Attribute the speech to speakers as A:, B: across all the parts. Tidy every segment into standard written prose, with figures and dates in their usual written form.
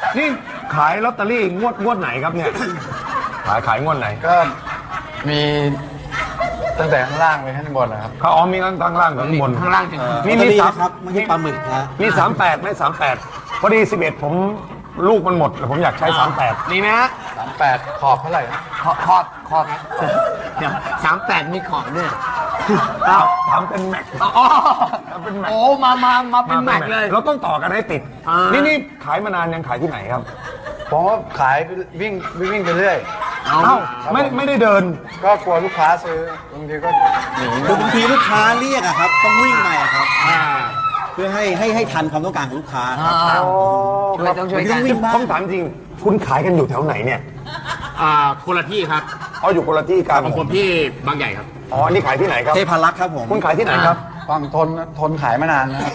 A: นี่ขายลอตเตอรี่งวดไหนครับเนี่ยขายงวดไหน
B: ก็มีตั้งแต่ข้างล่างไปข้างบนนะครับ
A: เขามีข้างล่างข้างบน
C: ข้างล่าง
D: มีครับไม่ใช่ปลาหมึกนะ
A: มี38ไม่38พอดี11ผมลูกมันหมดผมอยากใช้38
C: มีไหมฮะ
B: 38ขอบเท่าไหร่
C: ขอบเดี๋ยว38มีขอบด้วย
A: ทำเป็นแม็ก
C: เป็นแม็กโอ้มาเป็นแม็กเลย
A: เราต้องต่อกันให้ติดนี่ขายมานานยังขายที่ไหนครับ
B: ผมก็ขายวิ่งไปเรื่อย
A: ไม่ได้เดิน
B: ก็กลัวลูกค้าซื้อบางทีก็หนี
D: บางทีลูกค้าเรียกอะครับต้องวิ่งไปครับเพื่อให้ทันความต้องการของลูกค้า
C: ต้องช่วยกัน
A: ผมถามจริงคุณขายกันอยู่แถวไหนเนี่ย
C: คนละที่ครับ
A: อยู่คนละที่กัน
C: ของผมที่บางใหญ่ครับ
A: นี่ขายที่ไหนครับ
D: เทพารักษ์ครับผม
A: คุณขายที่ไหนครับ
B: ฟังทนขายมานานนะครับ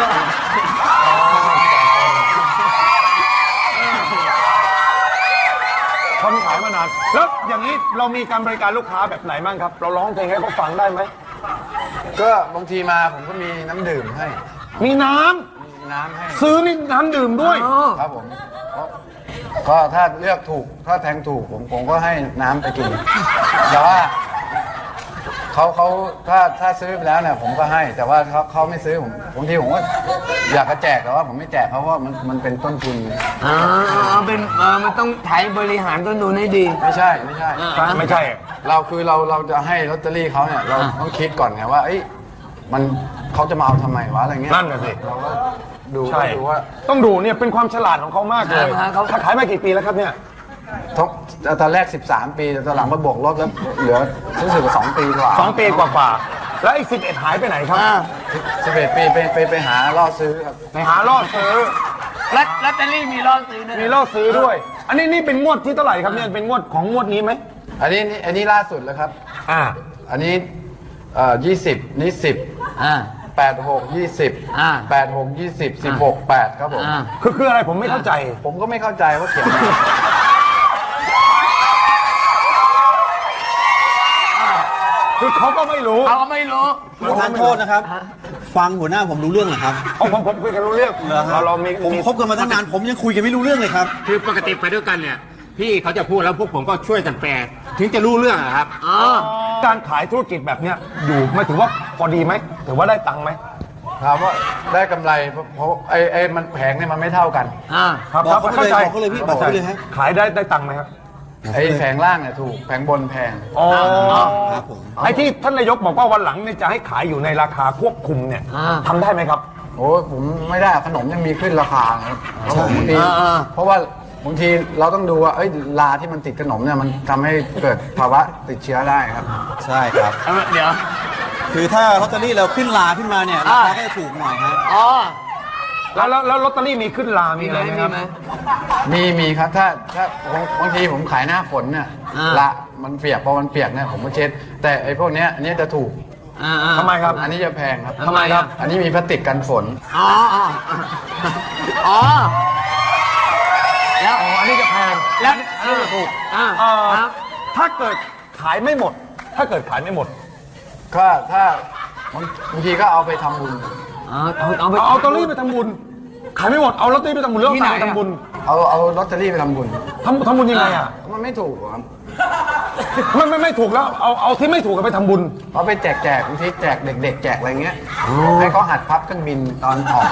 A: คนขายมานานแล้วอย่างนี้เรามีการบริการลูกค้าแบบไหนบ้างครับเราร้องเพลงให้เขาฟังได้ไหม
B: ก็บางทีมาผมก็มีน้ำดื่มให้
A: มีน้
B: ำให้
A: ซื้อนี่น้ำดื่มด้วย
B: ครับผมก็ถ้าเลือกถูกถ้าแทงถูกผมก็ให้น้ำไปกินแต่ว่าเขาถ้าซื้อไปแล้วเนี่ยผมก็ให้แต่ว่าเขาไม่ซื้อผมบางทีผมก็อยากจะแจกแต่ว่าผมไม่แจกเพราะว่ามันเป็นต้นทุน
C: เป็นมันต้องไถบริหารต้นทุนให้ดี
B: ไม่ใช่
A: เรา
B: จะให้ลอตเตอรี่เขาเนี่ยเราต้องคิดก่อนไงว่ามันเขาจะมาเอาทำไมวะอะไรเงี้ย
A: นั่นแหละสิ
B: เราก็ดูว่า
A: ต้องดูเนี่ยเป็นความฉลาดของเขามากเลยเขาขายมากี่ปีแล้วครับเนี่ย
B: ตอนแรก13 ปีตอนหลังมาบวกลบแล้วเหลือรู้สึกว่า2 ปีกว่า
A: 2 ปีกว่าแล้วอีก11หายไปไหนครับ
B: 11 ปีไปหาล่อซื้อครับ
A: ไปหาล่อซื้อ
C: ลอตเตอรี่มีล่อซื้อด้วย
A: มีล่อซื้อด้วยอันนี้เป็นงวดที่เท่าไหร่ครับเนี่ยเป็นงวดของงวดนี้ไหม
B: อันนี้ล่าสุดแล้วครับอันนี้20นี่10 86 20 86 20 16 8ครับผม
A: คืออะไรผมไม่เข้าใจ
B: ผมก็ไม่เข้าใจว่าเขียนอะไร
A: คือเขาก็ไม่รู้
D: ทานโทษนะครับฟังหัวหน้าผมรู้เรื่องเหรอครับ
A: ผมคุยกันรู้เรื่อง
D: ผมคบกันมาตั้งนานผมยังคุยกันไม่รู้เรื่องเลยครับ
C: คือปกติไปด้วยกันเนี่ยพี่เขาจะพูดแล้วพวกผมก็ช่วยกันแปลถึงจะรู้เรื่องครับ
A: การขายธุรกิจแบบเนี้ยอยู่ไม่ถือว่าพอดีไหมถือว่าได้ตังค์ไหม
B: ถามว่าได้กำไรเพราะมันแผงเนี่ยมันไม่เท่ากัน
A: ครับ
D: เข้าใจบอกเลยพี่บอกเลยฮะ
A: ขายได้ตังค์ไหมครับ
B: แผงล่างเนี่ยถูกแผงบนแพง
A: ครับผมไอ้ที่ท่านนายกบอกว่าวันหลังเนี่ยจะให้ขายอยู่ในราคาควบคุมเนี่ยทำได้ไหมครับ
B: โอ้ผมไม่ได้ขนมยังมีขึ้นราคาครับเพราะว่าบางทีเราต้องดูว่าลาที่มันติดขนมเนี่ยมันทำให้เกิดภาวะติดเชื้อได้ครับ
D: ใช่ครับ
C: เดี๋ยว
D: คือถ้าลอตเตอรี่เราขึ้นลาขึ้นมาเนี่ยราคาก็จะถูกหน่อยครับ
A: แล้วลอตเตอรี่มีขึ้นลามีอะไรไหมครับ
B: มีครับถ้าบางทีผมขายหน้าฝนเนี่ยละมันเปียกพอมันเปียกเนี่ยผมก็เช็ดแต่ไอ้พวกเนี้ยอันนี้จะถูก
A: ทำไมครับ
B: อันนี้จะแพงครับ
A: ทำไมครับ
B: อันนี้มีพลาสติกกันฝน
C: แล้ว
A: อันนี้จะแพง
C: แล้ว
A: ถูกถ้าเกิดขายไม่หมด
B: ก็ถ้าบางทีก็เอาไปทำบุญ
A: เอาลอตเตอรี่ไปทำบุญขายไม่หมดเอาลอตเตอรี่ไปทำบุญเรื่องไหนทำบุญ
B: เอาลอตเตอรี่ไปทำบุญ
A: ทำบุญยังไงอ่ะ
B: มันไม่ถูกครับ
A: ไม่ถูกแล้วเอาที่ไม่ถูกไปทำบุญ
B: เอาไปแจกบางทีแจกเด็กๆแจกอะไรเงี้ยให้เขาหัดพับเครื่องบินตอนออก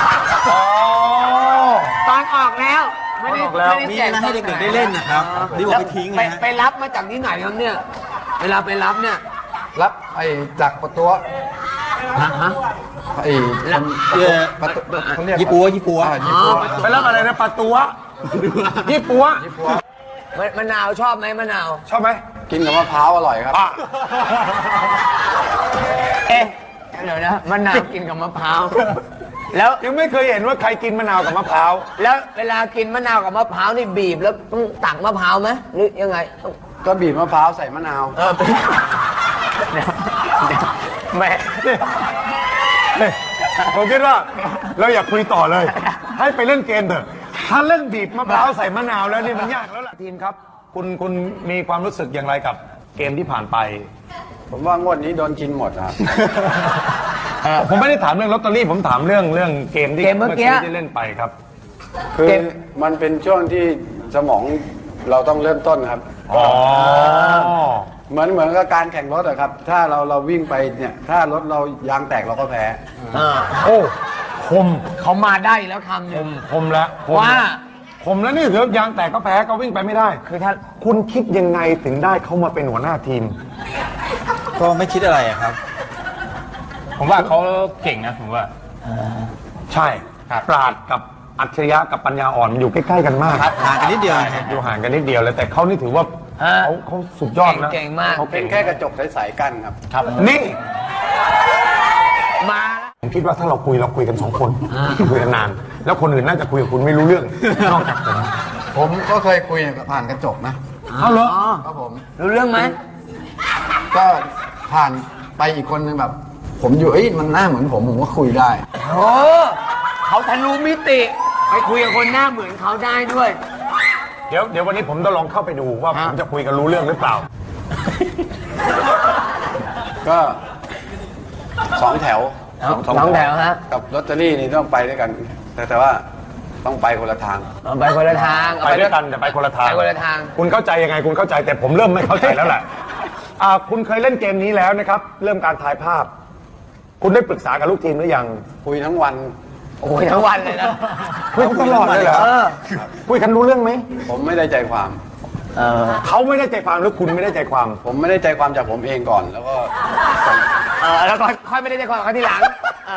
C: ตอนออกแล้วไม่ได้
D: แจกให้เด็กๆได้เล่นนะครับดีกว่าไปทิ้ง
C: ไปรับมาจากที่ไหนครับเนี่ยเวลาไปรับเนี่ย
B: รับจากประตู
D: ยี่ปัว
A: ไปรับอะไรนะปลาตัวยี่ปัว
C: มะนาวชอบไหมมะนาว
A: ชอบไหม
B: กินกับมะพร้าวอร่อยครับ
C: เดี๋ยวนะมะนาวกินกับมะพร้าว
A: แล้วยังไม่เคยเห็นว่าใครกินมะนาวกับมะพร้าว
C: แล้วเวลากินมะนาวกับมะพร้าวนี่บีบแล้วต้องตักมะพร้าวไหมหรือยังไง
B: ก็บีบมะพร้าวใส่มะนาว
A: แม่ผมคิดว่าเราอยากคุยต่อเลยให้ไปเล่นเกมเถอะถ้าเล่นบีบมะพร้าวใส่มะนาวแล้วนี่มันยากแล้วล่ะทีมครับคุณมีความรู้สึกอย่างไรกับเกมที่ผ่านไป
B: ผมว่างวดนี้โดนกินหมดครับ
A: ผมไม่ได้ถามเรื่องลอตเตอรี่ผมถามเรื่องเกมที่เมื่อกี้ได้เล่นไปครับ
B: คือมันเป็นช่วงที่สมองเราต้องเริ่มต้นครับ
A: อ๋อ
B: เหมือนกับการแข่งรถอะครับ ถ้าเราวิ่งไปเนี่ย ถ้ารถเรายางแตกเราก็แพ้
A: โอ้คม
E: เขามาได้แล้วคำหนึ่ง
A: คมแล้วคม
E: ว่า
A: แล้วคมแล้วนี่เถอะยางแตกก็แพ้ก็วิ่งไปไม่ได้
E: คือถ้า
A: คุณคิดยังไงถึงได้เขามาเป็นหัวหน้าทีม
D: ก็ไม่คิดอะไรอะครับ
C: ผมว่าเขาเก่งนะผมว่า
A: ใช่
C: ครับ
A: ปราดกับอัจฉริยะกับปัญญาอ่อนมันอยู่ใกล้ๆกันมาก
D: ครับห่างกันนิดเดียว
A: อยู่ห่างกันนิดเดียวเลยแต่เขานี่ถือว่าเขาสุดยอดนะ
E: เก่งมาก
A: เขา
B: เป็
A: เก่
B: น
A: ง
B: แค่กระจกใสๆกันครับ
A: ครับนี่
E: มาแล้ว
A: ผมคิดว่าถ้าเราคุยกัน2 คนคุยกันนาน แล้วคนอื่นน่าจะคุยกับคุณไม่รู้เรื่อง นอกจากผม
B: ผมก็เคยคุยผ่านกระจกนะ
A: เอาเหรอ
B: ครับผม
E: รู้เรื่องไหม
B: ก็ผ่านไปอีกคนนึงแบบ ผมอยู่มันหน้าเหมือนผมก็คุยได้
E: โอ้เขาทะลุมิติ ไปคุยกับคนหน้าเหมือนเขาได้ด้วย
A: เดี๋ยววันนี้ผมจะลองเข้าไปดูว่าผมจะคุยกันรู้เรื่องหรือเปล่า
B: ก็2 แถว
E: สองแถวฮะ
B: กับลอตเตอรี่นี่ต้องไปด้วยกัน แต่ว่าต้องไปคนละทาง
E: เอาไปคนละทาง
A: ไปด้วยกันแต่ไปคนละทาง
E: ไปคนละทาง
A: คุณเข้าใจยังไงคุณเข้าใจแต่ผมเริ่มไม่เข้าใจแล้วแหละคุณเคยเล่นเกมนี้แล้วนะครับ เริ่มการถ่ายภาพ คุณได้ปรึกษากับลูกทีมหรือยัง
B: คุยทั้งวัน
E: โอ้ยทั้งวันเลยนะ
A: คุยตลอดเลยเหรอคุยกันรู้เรื่องไหม
B: ผมไม่ได้ใจความ
A: เขาไม่ได้ใจความหรือคุณไม่ได้ใจความ
B: ผมไม่ได้ใจความจากผมเองก่อน แล้วก็ส่ง
E: แล้วก็ค่อยไม่ได้ใจความเขาทีหลัง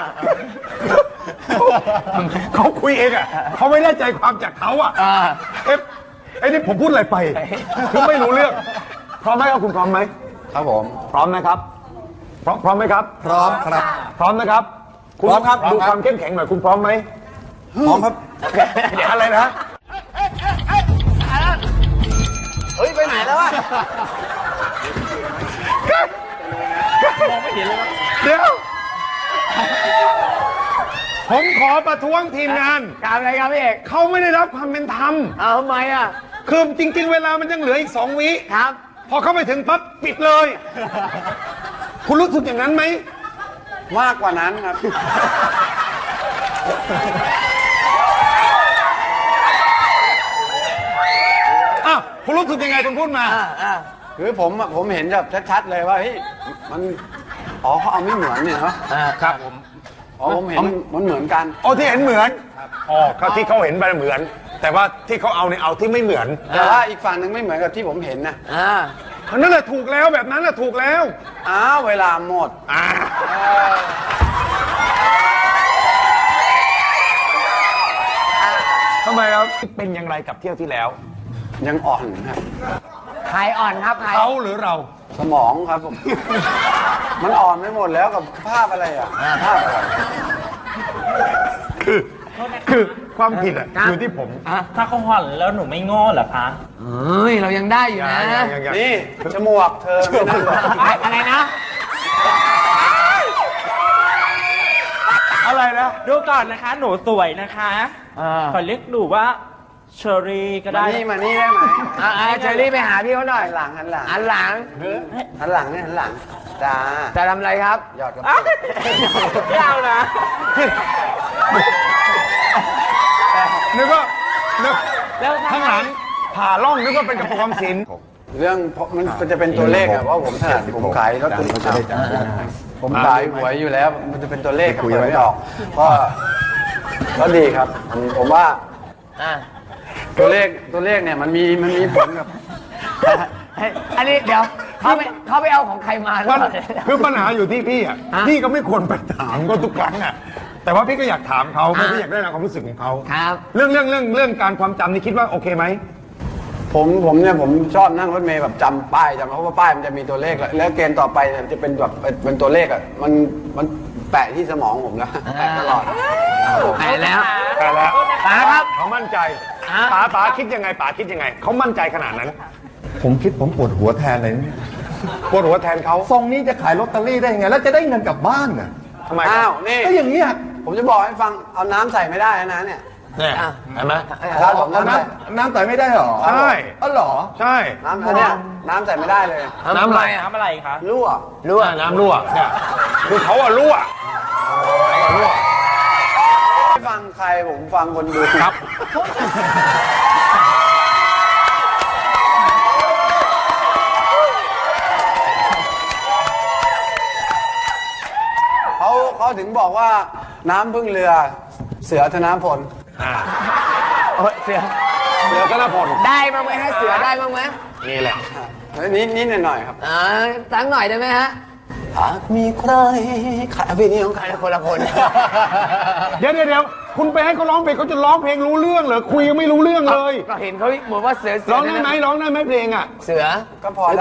A: เขาคุยเองอ่ะเขาไม่ได้ใจความจากเขาอ่ะเอ๊ะไอ้นี่ผมพูดอะไรไปคือไม่รู้เรื่องพร้อมไหมครับคุณพร้อมไหม
B: ครับผม
A: พร้อมนะครับพร้อมไหมครับ
D: พร้อมครับ
A: พร้อมนะครับณ
D: พร้อมครับ
A: ดูความเข้มแข็งหน่อยคุณพร้อมไหม
D: พร้อมครับ
A: เดี๋ยวอะไรนะ
E: เฮ้ย ไปไหนแล้ววะ
A: เดี๋ยวผมขอประท้วงทีมงาน
E: การอะไรครับพี่เอก
A: เขาไม่ได้รับความเป็นธรรม
E: เอาทำไมอ่ะ
A: คือจริง ๆ เวลามันยังเหลืออีก2 วิ
E: ครับ
A: พอเข้าไปถึงปั๊บปิดเลย คุณรู้สึกอย่างนั้นไหม
B: มากกว่านั้นครับ
A: อ้าวคุณรู้สึกยังไงคุณพูดมา
B: คือผมเห็นแบบชัดๆเลยว่าเฮ้ยมันเขาเอาไม่เหมือนเนี่ยเนาะ
A: ครับผม
B: ผมเห็นมันเหมือนกัน
A: อ๋อที่เห็นเหมือนอ๋อเขาที่เขาเห็นไปเหมือน แต่ว่าที่เขาเอาเนี่ยเอาที่ไม่เหมือน
B: แต่ว่าอีกฝั่งหนึ่งไม่เหมือนกับที่ผมเห็นนะ
A: นั่นแหละถูกแล้วแบบนั้นแหละถูกแล้ว
B: อ้าวเวลาหมด
A: ทำไมครับเป็นอย่างไรกับเที่ยวที่แล้ว
B: ยังอ่อนครับ
E: ใครอ่อนครับใคร
A: เขาหรือเรา
B: สมองครับผม มันอ่อนไปหมดแล้วกับภาพอะไรอ่ะภาพอะไร
A: คือความผิดอ่ะอยู่ที่ผม
F: ถ้าเขาห่อนแล้วหนูไม่โง่เหรอคะ
E: เฮ้ย เรายังได้อยู่นะ
A: อย่าง
B: นี่จมูกเธอไม่นั่นหรอก
E: อะไรนะ
A: อะไรนะ
F: ดูก่อนนะคะ หนูสวยนะคะขอเรียกหนูว่าเชอรี่ก็
B: มา
F: ได้
B: นี่ได้ไหม
E: เชอรี่ไปหาพี่เขาหน่อย
B: หันหลัง
E: หันหลัง
B: หันหลังเนี่ยหันหลังจ้า
E: จะทำอะไรครับ
B: หยอดกระ
F: อ้า
B: ปุ
F: ว
B: ก
F: ไม่เอานะ
A: นึกว่านึก
F: แล้ว
A: ข้างหลังผ่าล่องนึกว่าเป็นกระปุกออมสิน
B: เรื่องมันจะเป็นตัวเลขอะว่าผมถนัดผมขายรถผมขายหวยอยู่แล้ว มันจะเป็นตัวเลขคุยไม่ออกก็ดีครับ ผมว่าตัวเลขเนี่ยมันมีผลกับ
E: อันนี้เดี๋ยวเขาไปเอาของใครมาหรือ
A: มัน
E: เปล่า
A: คือปัญหาอยู่ที่พี่อ่ะพี่ก็ไม่ควรไปถามก็ทุกครั้งอ่ะแต่ว่าพี่ก็อยากถามเขาเพราะพี่อยากได้รับความรู้สึกของเขา
E: ครับ
A: เรื่องการความจำนี่คิดว่าโอเคไหม
B: ผมเนี่ยผมชอบนั่งรถเมล์แบบจำป้ายเพราะว่าป้ายมันจะมีตัวเลขแล้วเกณฑ์ต่อไปเนี่ยจะเป็นแบบเป็นตัวเลขอ่ะมันแปะที่สมองผมแล้วแปะตลอด
E: ไปแล้ว
A: แต่แล้ว
E: ป๋าครับ
A: เขามั่นใจป๋าคิดยังไงป๋าคิดยังไงเขามั่นใจขนาดนั้น
G: ผมคิดผมปวดหัวแทนเลยนะ
A: ปวดหัวแทนเขา
G: ทรงนี้จะขายลอตเตอรี่ได้ยังไง แล้วจะได้เงินกลับบ้านน่ะ
A: ทำไมค
B: อ้า
A: รั
B: ว
A: บ
B: นี่
G: ก็อย่างนี้ย
B: ผมจะบอกให้ฟังเอาน้ำใส่ไม่ได้นะเนี่ย
A: เนี่ยเห็นไหม
B: ครับผม
G: น้ำใส่ไม่ได้หรอ
A: ใช่
G: อ๋อเหรอ
A: ใช่
B: น้ำอันเนี้ยน้ำใส่ไม่ได้เลย
A: น้ำอะไร
F: ทำอะไรคะ
B: รั่ว
A: รั่วน้ำรั่วเนี่ยคือเขาอะรั่ว
B: ให้ฟังคใครผมฟังคนดู
C: ครับ
B: เขาถึงบอกว่าน้ำพึ่งเรือเสือธนพล
E: เสือ
A: เดี๋ยวก็น่าผล
E: ได้บ้างไหมฮะเสือได้บ้างไหม
A: นี่แหละ
B: นิดหน่อยๆครับ
E: ตั้งหน่อยได้ไหมฮะ
B: หากมีใครขายเพลงนี้ของใคร
E: คนละคน
A: เดี๋ยวคุณไปให้เขาร้องเพลงเขาจะร้องเพลงรู้เรื่องเหรอคุยยังไม่รู้เรื่องเลย
E: ก็เห็นเขาเหมือนว่าเสือ
A: ร้องได้ไหมเพลงอ่ะ
E: เสือ
B: ก็พอ